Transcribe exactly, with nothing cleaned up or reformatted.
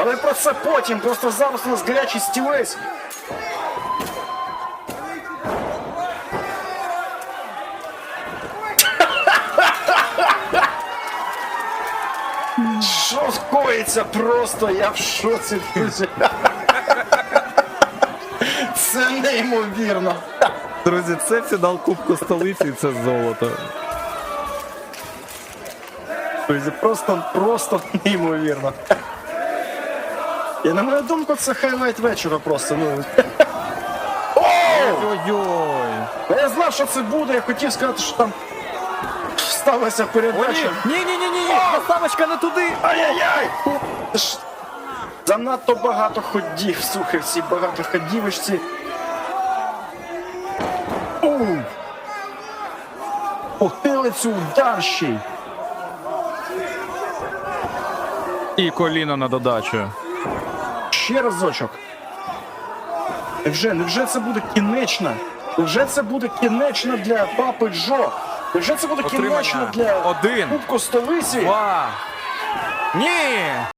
Але про це потім, просто зараз у нас гарячий стілець. Що скоїться просто, я в шоці, друзі. Це неймовірно. Друзі, це фінал Кубку столиці і це золото. Друзі, просто, просто неймовірно. І на мою думку, це хайлайт вечора просто. Ну. Ой-ой-ой. Я знав, що це буде, я хотів сказати, що там сталася передача. Ні-ні-ні-ні, доставочка не туди. Ай-яй-яй! Це ж занадто багато ходів, слухай, всі багато ходівочці. Ууу! Потилицю удар ще й. І коліно на додачу. Ще разочок. Невже, невже це буде кінечно? Невже це буде кінечно для папи Джо? Невже це буде Отримання. кінечно для Один. Кубку столиці? Два. Ні!